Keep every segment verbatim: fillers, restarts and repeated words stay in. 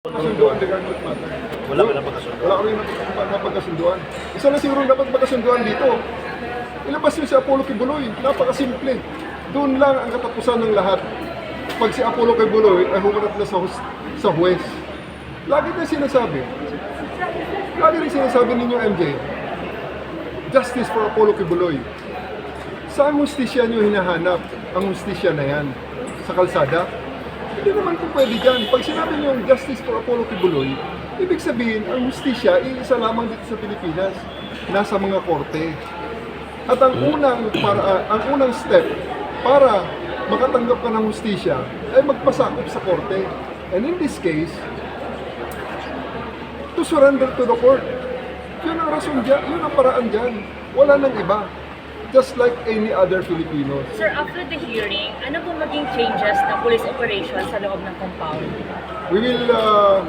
Kasunduan regarding that matter. Wala ka na pagkasunod. Wala kami napagkasunduan. Isa na siguro dapat magkasunduan dito. Ilabas nyo si Apollo Kibuloy. Napakasimple. Doon lang ang katapusan ng lahat. Pag si Apollo Kibuloy ay humarap na sa, sa huwes. Lagi na sinasabi. Lagi rin sinasabi ninyo, M J, justice for Apollo Kibuloy. Saan hustisya nyo hinahanap ang hustisya na yan? Sa kalsada? Hindi naman po pwede dyan. Pag sinabi niyo yung justice for Apollo Kibuloy, ibig sabihin, ang hustisya, iisa lamang dito sa Pilipinas, nasa mga korte. At ang unang, para, uh, ang unang step para makatanggap ka ng hustisya ay magpasakop sa korte. And in this case, to surrender to the court. Yun ang rason dyan, yun ang paraan dyan. Wala nang iba. Just like any other Filipino. Sir, after the hearing, ano po maging changes ng police operation sa loob ng compound? We will uh,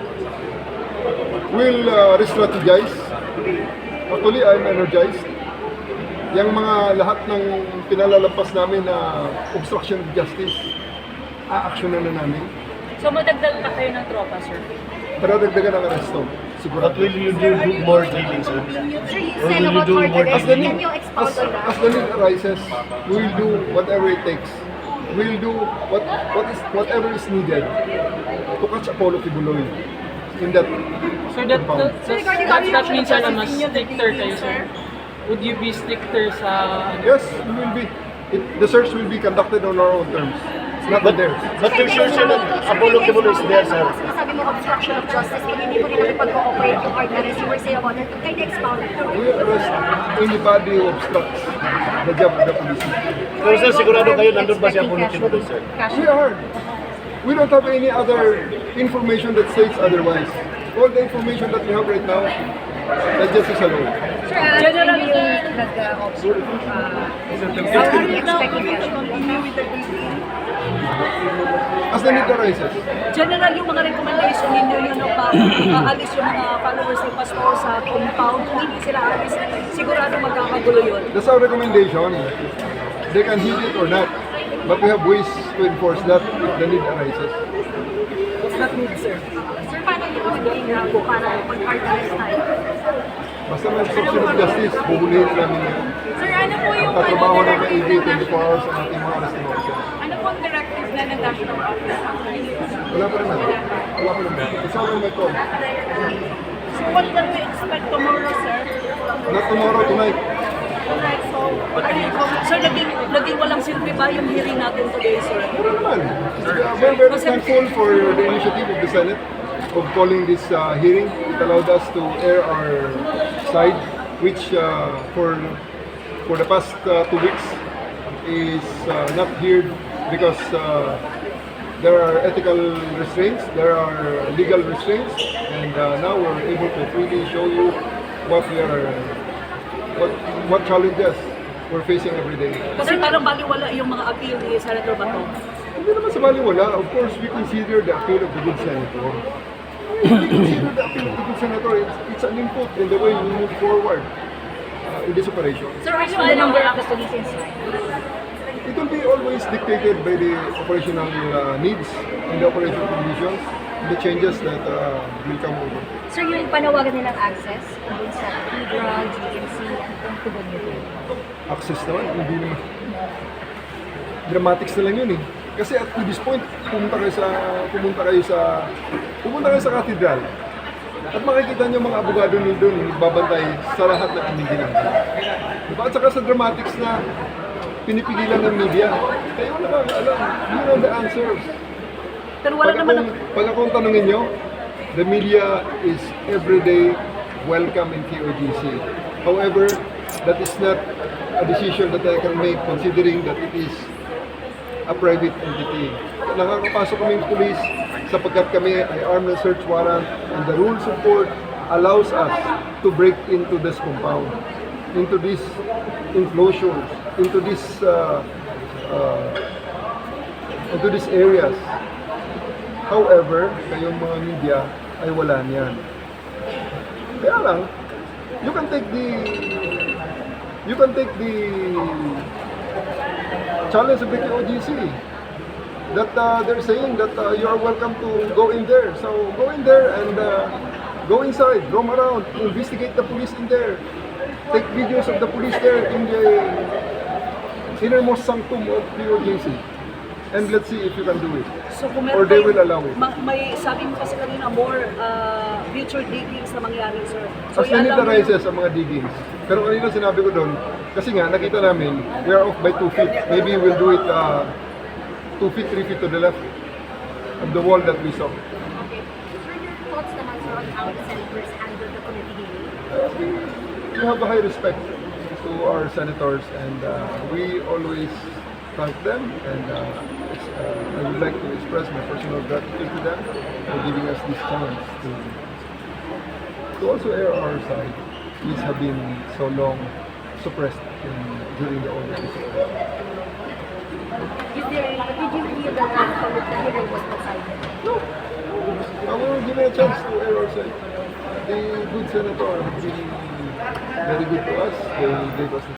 will uh, re-strategize. Actually, I'm energized. Yung mga lahat ng pinalalampas namin na obstruction of justice, a-actionan na namin. So madagdag pa kayo ng tropa, sir? Paradagdagan ang aresto. Sigurado. But will you do, do more drilling, sir? Sir, you Or said will you about do further more As arrest. the drilling? need, Can you expound as, on that? as the need arises, we will do whatever it takes. We will do what what is whatever is needed to catch Apollo Kibuloy in that Sir, that, compound. that, that, that, that means na mas stricter kayo, sir. Would you be stricter sa... Yes, we will be. It, the search will be conducted on our own terms. It's not on But, theirs. but for sure, sir, that Apollo Kibuloy is there, sir. Sabi mo, obstruction of justice, kung hindi po nila nakipag-cooperate yung ordinance, you were saying about that. Can you expound on that? We will arrest anybody who obstructs the job of the police. Pero sir, sigurado kayo nandun ba si Apollo Kibuloy, sir? We are. We don't have any other information that states otherwise. All the information that we have right now, that just is alone. Sir, uh, general yung nag-observe, uh, how are you expecting cash to continue with the briefing? As the need arises. General, yung mga recommendation ninyo yun no, pa aalis yung mga followers ni Pastor sa compound, kung hindi sila aalis, sigurado magkakagulo yun. That's our recommendation. They can heed it or not. But we have ways to enforce that if the need arises. What's that need, sir? Sir, paano yung magiging rabo para pag-arrest tayo? Basta may obstruction of justice, bubulihin namin yun. Sir, ano po yung Ang trabaho ng A D twenty-four hours ang ating mga arresting officers. ano po ang directives na ng National Office? Wala pa naman. Wala pa naman. It's all on my call. So what can we expect tomorrow, sir? Not tomorrow, tonight. Alright, so Sir, naging, naging walang silbi ba yung hearing natin today, sir? Wala naman. Uh, We're very thankful for the initiative of the Senate of calling this uh, hearing. It allowed us to air our side, which uh, for for the past uh, two weeks is uh, not heard because uh, there are ethical restraints, there are legal restraints, and uh, now we're able to freely show you what we are, what what challenges we're facing every day. Kasi parang baliwala yung mga appeal ni Senator Bato. Hindi naman sa baliwala. Of course, we consider the appeal of the good senator. We consider the appeal of the good senator. It's, it's an input in the way we move forward uh, in this operation. Sir, what is the number of the police inside? It will be always dictated by the operational uh, needs and the operational conditions, the changes that uh, will come over. Sir, yung panawagan nilang access, dun sa Cathedral, G M C, ano pong tugon nyo doon? Access naman, hindi naman. Dramatics na lang yun eh. Kasi at this point, pumunta kayo sa pumunta kayo sa pumunta kayo sa cathedral. At makikita niyo mga abogado niyo doon nagbabantay sa lahat ng aming ginagawa. Diba? At saka sa dramatics na pinipigilan ng media. Kayo na lang alam, you know the answers. Pero wala Pag naman akong, pag akong tanongin niyo, the media is everyday welcome in K O G C. However, that is not a decision that I can make considering that it is a private entity. Nakakapasok kaming police sapagkat kami ay armed and search warrant and the rules of court allows us to break into this compound, into these enclosures, into this uh, uh, into these areas. However, kayong mga media ay wala niyan. Kaya lang, you can take the you can take the challenge of the K O G C. that uh, they're saying that uh, you are welcome to go in there. So go in there and uh, go inside, roam around, investigate the police in there. Take videos of the police there in the innermost sanctum of P O J C. And let's see if you can do it. So kung Or meron they kayo- will allow it. ma- may sabi mo kasi kanina more uh, future diggings na mangyari, sir. So As i-allow mo yung- militarizes ang mga diggings. Pero kanina sinabi ko doon, kasi nga nakita namin, we are off by two feet. Maybe we'll do it uh, two feet, three feet to the left of the wall that we saw. Okay. Sir, your thoughts naman sir on how the senators handle the committee hearing? We have a high respect to our senators and uh, we always thank them and uh, it's, uh, I would like to express my personal gratitude to them for giving us this chance to, to also air our side. These have been so long suppressed in, during the old days. Is there, did you feel that the committee hearing was decided? No. I will give it a chance to air our side. The good senator has been very good to us. They gave us the